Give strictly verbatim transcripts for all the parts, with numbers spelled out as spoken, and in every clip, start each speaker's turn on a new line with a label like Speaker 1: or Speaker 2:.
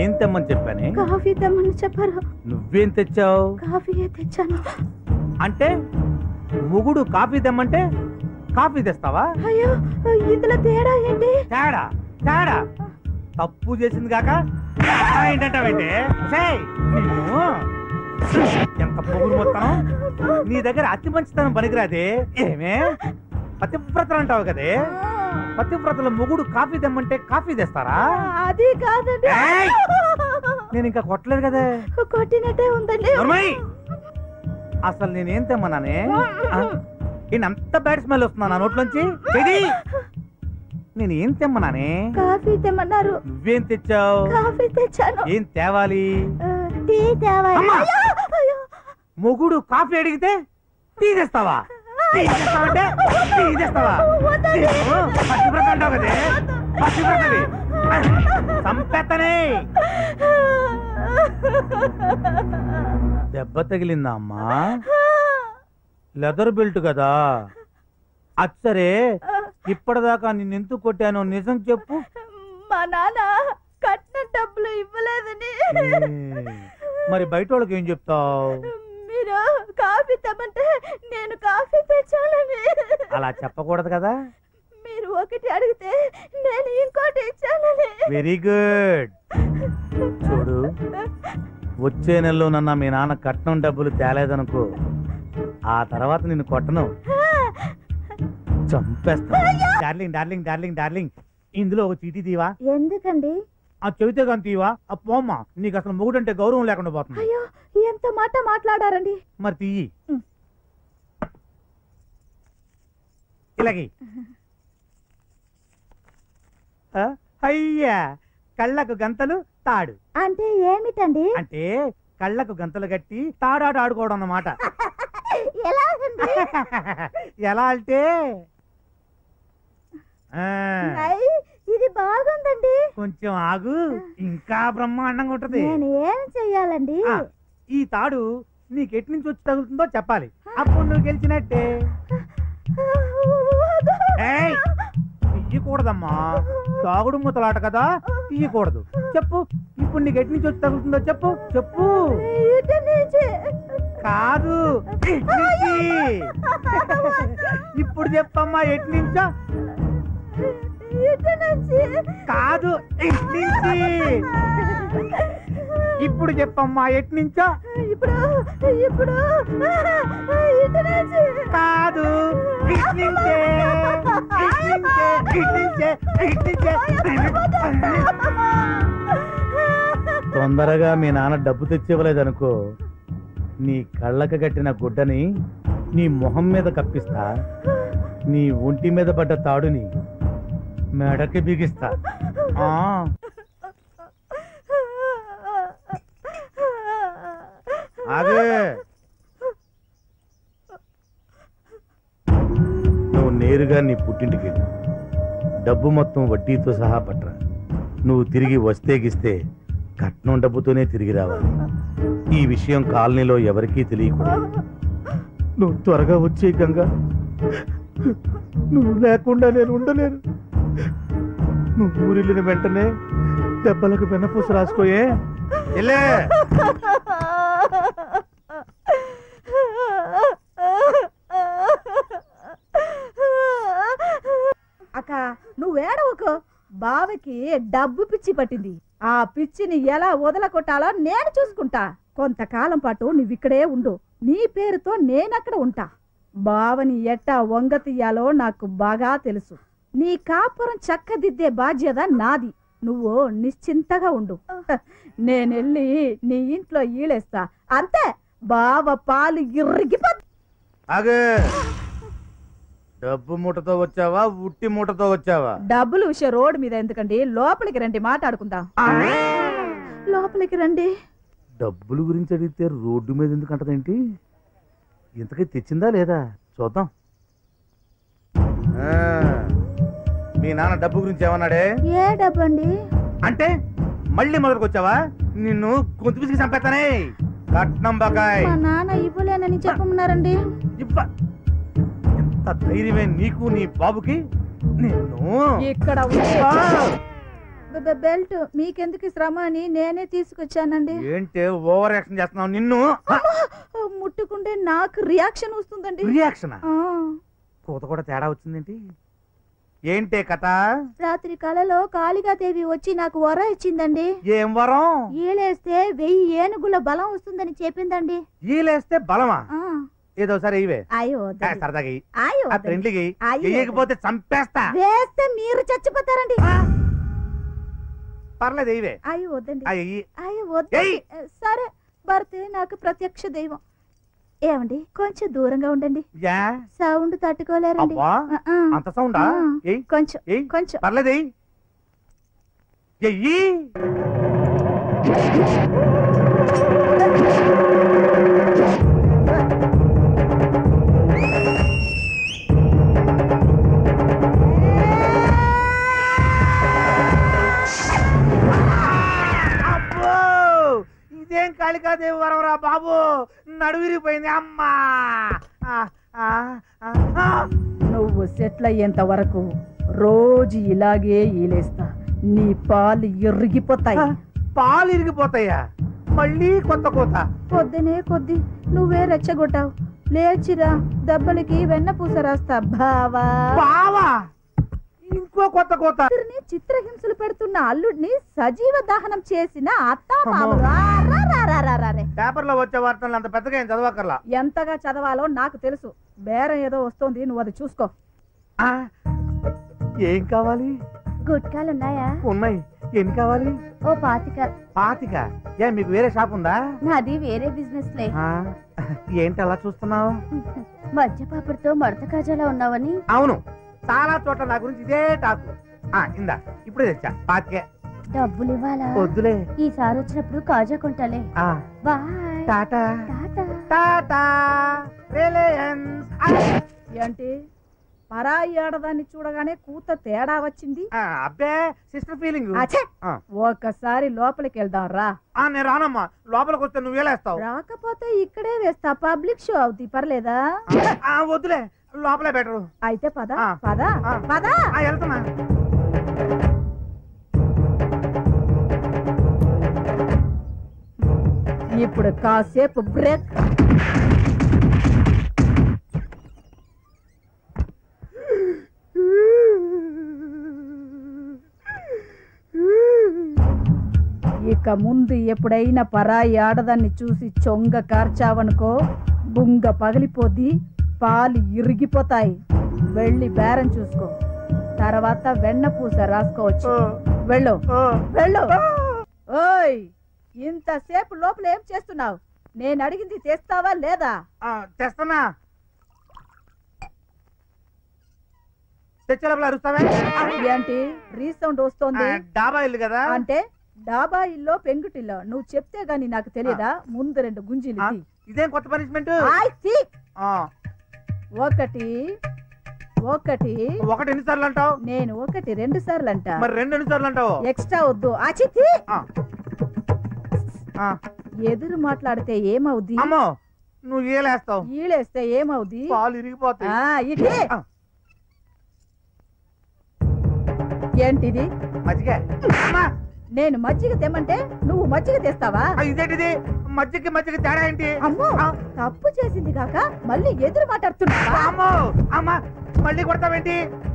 Speaker 1: ఏం తెమ్మని చెప్పానే?
Speaker 2: కాఫీ తెమ్మని చెప్పారు.
Speaker 1: నువ్వేం తెచ్చావు?
Speaker 2: కాఫీ తెచ్చాను.
Speaker 1: అంటే మొగుడు కాఫీ తెమ్మంటే కాఫీ తెస్తావా?
Speaker 2: అయ్యో, ఇందులో తేడా ఏంటి?
Speaker 1: తేడా తేడా తప్పు చేసింది కాక ఏంటంటావేంటి? నిన్ను ఎంత పొగురు మొత్తం. నీ దగ్గర అతి మంచితనం పనికిరాదే. ఏమే పతివ్రతలు అంటావు కదే, పతివ్రతల మొగుడు కాఫీ తెమ్మంటే కాఫీ తెస్తారా? అది కాదండి. నేను ఇంకా కొట్టలేదు కదే. కొట్టినట్టే ఉందండి. అసలు నేనేం తెమ్మన్నానే? అంత బ్యాడ్ స్మెల్ వస్తున్నా నా నోట్లోంచి. నేను ఏం తెమ్మన్నానే? కాఫీ తెమ్మన్నారు. నువ్వేం తెచ్చావు? కాఫీ తెచ్చాను. ఏం తేవాలి? టీ తేవాలి. మొగుడు కాఫీ అడిగితే టీ తెస్తావా? టీ తెస్తావంటే టీ తెస్తావా? పచ్చివ్రత అంటావు కదే, పచ్చివ్రతవి సంపెత్తనే. దెబ్బ తగిలిందా అమ్మా? లెదర్ బెల్ట్ కదా. అచ్చరే, ఇప్పటిదాకా నిన్నెందుకు కొట్టానో నిజం చెప్పు.
Speaker 2: మా నాన్న కట్టిన డబ్బులు ఇవ్వలేదని.
Speaker 1: మరి బయట వాళ్ళకి ఏం చెప్తావు?
Speaker 2: మీరు కాఫీ తెమ్మంటే నేను కాఫీ తెచ్చానని.
Speaker 1: అలా చెప్పకూడదు కదా.
Speaker 2: మీరు ఒకటి అడిగితే నేను ఇంకోటి ఇచ్చానని.
Speaker 1: Very good. చూడు, వచ్చే నెలలో నన్న మీ నాన్న కట్నం డబ్బులు తేలేదనుకో, ఆ తర్వాత నిన్ను కొట్టను, చంపేస్తా. డార్లింగ్ డార్లింగ్ డార్లింగ్ డార్లింగ్ ఇందులో ఒక చీటీ తీవా?
Speaker 2: ఎందుకండి?
Speaker 1: ఆ చెబితే కానీ తీవా? ఆ పోమ్మా, నీకు అసలు మొగుడంటే గౌరవం లేకుండా పోతుంది.
Speaker 2: అయ్యో, ఎంత మాట మాట్లాడారండి.
Speaker 1: మరి తీయి. ఇలాగే. అయ్యా, కళ్ళకు గంతలు తాడు
Speaker 2: అంటే ఏమిటండి?
Speaker 1: అంటే కళ్ళకు గంతలు కట్టి తాడాట ఆడుకోవడం అన్నమాట. ఎలా అంటే
Speaker 2: ఇది బాగుందండి.
Speaker 1: కొంచెం ఆగు, ఇంకా బ్రహ్మాండంగా ఉంటది.
Speaker 2: నేను ఏం చెయ్యాలండి?
Speaker 1: ఈ తాడు నీకు ఎటు నుంచి వచ్చి తగులుతుందో చెప్పాలి, అప్పుడు నువ్వు గెలిచినట్టే. తీయకూడదమ్మా, తాగుడు ముతలాట కదా, తీయకూడదు. చెప్పు, ఇప్పుడు నీకు ఎటు నుంచి వచ్చి తగులుతుందో చెప్పు. చెప్పు. కాదు, ఇప్పుడు చెప్పమ్మా, ఎటు నుంచో. కాదు, నుంచి. ఇప్పుడు చెప్పమ్మా, ఎటు నుంచో. ఇప్పుడు ఇప్పుడు కాదు, నుంచే. తొందరగా మీ నాన్న డబ్బు తెచ్చివ్వలేదనుకో, నీ కళ్ళకు కట్టిన గుడ్డని నీ మొహం మీద కప్పిస్తా, నీ ఒంటి మీద పడ్డ తాడుని మెడకి బిగిస్తా. ఆ ఆగే, నువ్వు నేరుగా నీ పుట్టింటికి వెళ్ళు. డబ్బు మొత్తం వడ్డీతో సహా పట్రా. నువ్వు తిరిగి వస్తే గిస్తే కట్నం డబ్బుతోనే తిరిగి రావాలి. ఈ విషయం కాలనీలో ఎవరికీ తెలియకూడదు. నువ్వు త్వరగా వచ్చే గంగా, నువ్వు లేకుండా నేను ఉండలేను. నువ్వు ఊరిల్లిన వెంటనే దెబ్బలకు వెన్నపూస రాసుకోయే.
Speaker 2: అక్క, నువ్వేడవకు. బావకి డబ్బు పిచ్చి పట్టింది. ఆ పిచ్చిని ఎలా వదలకొట్టాలో నేను చూసుకుంటా. కొంతకాలం పాటు నువ్విక్కడే ఉండు. నీ పేరుతో నేనక్కడ ఉంటా. బావని ఎట్టా వంగ తీయాలో నాకు బాగా తెలుసు. నీ కాపురం చక్కదిద్దే బాధ్యత నాది. నువ్వు నిశ్చింతగా ఉండు. నేనెళ్ళి నీ ఇంట్లో ఈలేస్తా, అంతే. బావ పాలు ఇరిగిపో.
Speaker 1: డబ్బు మూటతో వచ్చావా, ఉట్టి మూటతో వచ్చావా?
Speaker 2: డబ్బులు విషయం రోడ్డు మీద ఎందుకండి, లోపలికి రండి, మాట్లాడుకుందాం. లోపలికి రండి.
Speaker 1: డబ్బులు గురించి అడిగితే రోడ్డు మీద ఎందుకు అంటదేంటి? ఇంతకీ తెచ్చిందా లేదా చూద్దాం. మీ నాన్న డబ్బు గురించి ఏమన్నాడే?
Speaker 2: ఏ డబ్బు అండి?
Speaker 1: అంటే మళ్ళీ మొదలుకు వచ్చావా? నిన్ను గొంతు పిసికి చంపేస్తానే. కట్నం బకాయ్
Speaker 2: మా నాన్న ఇవ్వలేనని చెప్పమన్నారండి.
Speaker 1: ఇవ్వ ఎంత ధైర్యమే నీకు నీ బాబుకి? నిన్ను
Speaker 2: ఇక్కడ బె- బె- బెల్ట్ మీకెందుకు ఈ శ్రమ అని నేనే తీసుకొచ్చానండి.
Speaker 1: ఏంటి ఓవర్ యాక్షన్ చేస్తున్నావు? నిన్ను
Speaker 2: ముట్టుకుంటే నాకు రియాక్షన్ వస్తుందండి.
Speaker 1: రియాక్షన్
Speaker 2: ఆ,
Speaker 1: కూత కూడా తేడా వచ్చిందేంటి? ఏంటే కథ?
Speaker 2: రాత్రి కలలో కాళికాదేవి వచ్చి నాకు వర ఇచ్చిందండి.
Speaker 1: ఏం వరం?
Speaker 2: ఈలేస్తే వెయ్యి ఏనుగుల బలం వస్తుందని చెప్పిందండి.
Speaker 1: ఈలేస్తే బలమా?
Speaker 2: ఆ,
Speaker 1: ఏదో సరే ఇవే
Speaker 2: అయ్యో వద్దండి.
Speaker 1: సరదాగా ఇయ్యి.
Speaker 2: అయ్యో
Speaker 1: ఆ
Speaker 2: వద్దండి.
Speaker 1: ఫ్రెండ్లీకి
Speaker 2: అయ్యో.
Speaker 1: వేయకపోతే చంపేస్తా.
Speaker 2: వేస్తే మీరు చచ్చిపోతారండి.
Speaker 1: ఆ? పర్లేదు ఇవే.
Speaker 2: అయ్యో వద్దండి.
Speaker 1: అయ్యి
Speaker 2: అయ్యో వద్దండి.
Speaker 1: ఏయ్.
Speaker 2: సరే భర్తే నాకు ప్రత్యక్ష దైవం. ఏమండి కొంచెం దూరంగా ఉండండి,
Speaker 1: యా
Speaker 2: సౌండ్ తట్టుకోలేరండి.
Speaker 1: అబ్బా
Speaker 2: ఆ, ఆ.
Speaker 1: అంత సౌండా?
Speaker 2: ఆ.
Speaker 1: ఏయ్
Speaker 2: కొంచెం
Speaker 1: ఏయ్
Speaker 2: కొంచెం
Speaker 1: పర్లేదు ఎయ్. ఎయ్యి. అబ్బో! ఇదేం కాళికాదేవి వరవరా బాబు, నడువిరిపోయింది అమ్మా. ఆ, ఆ, ఆ, ఆ.
Speaker 2: నువ్వు సెటిల్ అయ్యేంత వరకు రోజు ఇలాగే ఈలేస్తా, నీ పాలు ఎరిగిపోతాయి.
Speaker 1: పాలు ఇరిగిపోతాయా? మళ్ళీ కొత్త కోత?
Speaker 2: పొద్దునే కొద్ది నువ్వే రెచ్చగొట్టావు. లేచిరా, దెబ్బలకి వెన్న పూస రాస్తా బావా.
Speaker 1: బావా ఇంకో కొత్త కోత?
Speaker 2: కూతురిని చిత్రహింసలు పెడుతున్న అల్లుడిని సజీవ దహనం చేసిన అత్తా
Speaker 1: అమ్మో.
Speaker 2: మామలు. ఆ, రా, రా, రా, రా, రా, రే.
Speaker 1: పేపర్లో వచ్చే వార్తలు అంత పెద్దగా ఏం చదవకర్లా.
Speaker 2: ఎంతగా చదవాలో నాకు తెలుసు. బేరం ఏదో వస్తోంది, నువ్వు అది చూసుకో.
Speaker 1: ఆ, ఏం కావాలి?
Speaker 2: గుట్కాలున్నాయా?
Speaker 1: ఉన్నాయి. ఎన్ని కావాలి?
Speaker 2: ఓ పాతిక.
Speaker 1: పాతిక? ఏ మీకు వేరే షాప్ ఉందా?
Speaker 2: నాది వేరే బిజినెస్ లే.
Speaker 1: ఆ, ఏంటి అలా చూస్తున్నావు?
Speaker 2: మధ్య పాపడితో మడత కాజాలా ఉన్నావని.
Speaker 1: అవును, చాలా చోట్ల నా గురించి ఇదే టాకు. ఆ, ఇందా ఇప్పుడే తెచ్చా పాతికే.
Speaker 2: డబ్బులు ఇవ్వాలా?
Speaker 1: వద్దులే.
Speaker 2: ఈసారి వచ్చినప్పుడు కాజా కొంటాలే.
Speaker 1: ఆ,
Speaker 2: bye.
Speaker 1: Tata
Speaker 2: tata.
Speaker 1: Tata Reliance. ఆ,
Speaker 2: ఏంటి పరాయి ఆడదాన్ని చూడగానే కూత తేడా వచ్చింది?
Speaker 1: ఆ, అబ్బే సిస్టర్ ఫీలింగ్.
Speaker 2: అచ్చే! ఒక్కసారి లోపలికి వెళ్దాం రా.
Speaker 1: నేను రానమ్మా, లోపలికి వస్తే నువ్వు వేలేస్తావు.
Speaker 2: రాకపోతే ఇక్కడే వేస్తా, పబ్లిక్ షో అవుతుంది, పర్లేదా?
Speaker 1: ఆ, వద్దులే, లోపలే బెటరు.
Speaker 2: అయితే పద
Speaker 1: ఆ.
Speaker 2: పద
Speaker 1: ఆ.
Speaker 2: పద.
Speaker 1: ఆ, వెళ్తున్నా.
Speaker 2: ఇప్పుడు కాసేపు బ్రేక్. ఇక ముందు ఎప్పుడైనా పరాయి ఆడదాన్ని చూసి చొంగ కార్చావనుకో, బుంగ పగిలిపోద్ది, పాలు ఇరిగిపోతాయి. వెళ్ళి బేరం చూసుకో, తర్వాత వెన్న పూస రాసుకోవచ్చు. వెళ్ళు వెళ్ళు. ఓయ్, ఇంతసేపు లోపల ఏం చేస్తున్నావు? నేను అడిగింది తెస్తావా లేదా?
Speaker 1: ఆ, తెస్తున్నా. తెచ్చే లోపల అరుస్తావే?
Speaker 2: ఏంటి రీసౌండ్ వస్తోంది?
Speaker 1: ఆ, డాబా ఇల్లు కదా.
Speaker 2: అంటే డాబా ఇల్లో పెంకుటిల్లో నువ్వు చెప్తే గాని నాకు తెలియదా? ముందు రెండు గుంజీలు
Speaker 1: ఆ,
Speaker 2: తీ.
Speaker 1: ఇదేం కొత్త పనిష్మెంట్?
Speaker 2: ఆయ్ తీ.
Speaker 1: ఆ,
Speaker 2: ఒకటి ఒకటి
Speaker 1: ఒకటి ఎన్నిసార్లు అంటావు?
Speaker 2: నేను ఒకటి రెండు సార్లు అంట.
Speaker 1: మరి రెండు ఎన్నిసార్లు అంటావు?
Speaker 2: ఎక్స్ట్రా వద్దు. ఆచి తీ.
Speaker 1: ఆ, ఆ.
Speaker 2: ఎదురు మాట్లాడితే ఏమవుద్ది?
Speaker 1: అమ్మో, నువ్వు ఏలేస్తావు.
Speaker 2: ఈలేస్తే ఏమవుద్ది?
Speaker 1: పాలు ఇరిగిపోతాయి.
Speaker 2: ఆ, ఇదే.
Speaker 1: ఆ.
Speaker 2: ఏంటిది?
Speaker 1: మజ్జిగ. అమ్మా,
Speaker 2: నేను మజ్జిగ తెమ్మంటే నువ్వు మజ్జిగ తెస్తావా?
Speaker 1: ఆ, ఇదేంటిది? మజ్జిగకి మజ్జిగ తేడా ఏంటి?
Speaker 2: అమ్మో,
Speaker 1: ఆ.
Speaker 2: తప్పు చేసింది కాక మళ్ళీ ఎదురు మాట్లాడుతున్నావా?
Speaker 1: అమ్మో, అమ్మా, మళ్ళీ కొడతావేంటి?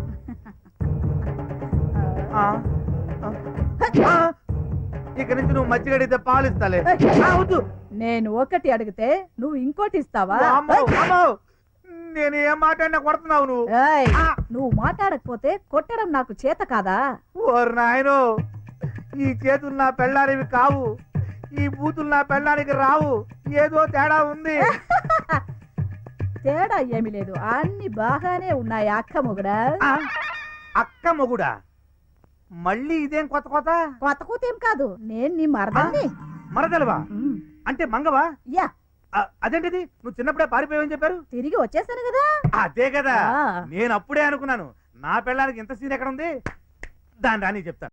Speaker 1: ఆ, ఆ, ఆ. ఇక నుంచి నువ్వు మజ్జిగ అడిగితే పాలు ఇస్తాలే. ఆ, వద్దు.
Speaker 2: నేను ఒకటి అడిగితే నువ్వు ఇంకోటి ఇస్తావా?
Speaker 1: అమ్మో, అమ్మో, నేను ఏం మాట్లాడినా కొడుతున్నావు నువ్వు.
Speaker 2: ఏయ్,
Speaker 1: ఆ.
Speaker 2: నువ్వు మాట్లాడకపోతే కొట్టడం నాకు చేత కాదా?
Speaker 1: ఓరు నాయనో, ఈ చేతులు నా పెళ్ళానివి కావు, ఈ బూతులు నా పెళ్ళానికి రావు. ఏదో తేడా ఉంది.
Speaker 2: తేడా ఏమీ లేదు, అన్ని బాగానే ఉన్నాయి అక్క మొగుడా.
Speaker 1: ఆ, అక్క మొగుడా? మళ్ళీ ఇదేం కొత్త కొత్త?
Speaker 2: కొత్త కూత ఏం కాదు, నేను నీ మరదల్ని.
Speaker 1: మరదలవా?
Speaker 2: ఉమ్,
Speaker 1: అంటే మంగవా?
Speaker 2: యా,
Speaker 1: ఆ, అదేంటిది? నువ్వు చిన్నప్పుడే పారిపోయావని చెప్పారు.
Speaker 2: తిరిగి వచ్చేసాను కదా.
Speaker 1: అదే కదా,
Speaker 2: ఆ.
Speaker 1: నేను అప్పుడే అనుకున్నాను, నా పెళ్ళానికి ఇంత సీన్ ఎక్కడ ఉంది. దాని రాని చెప్తాను.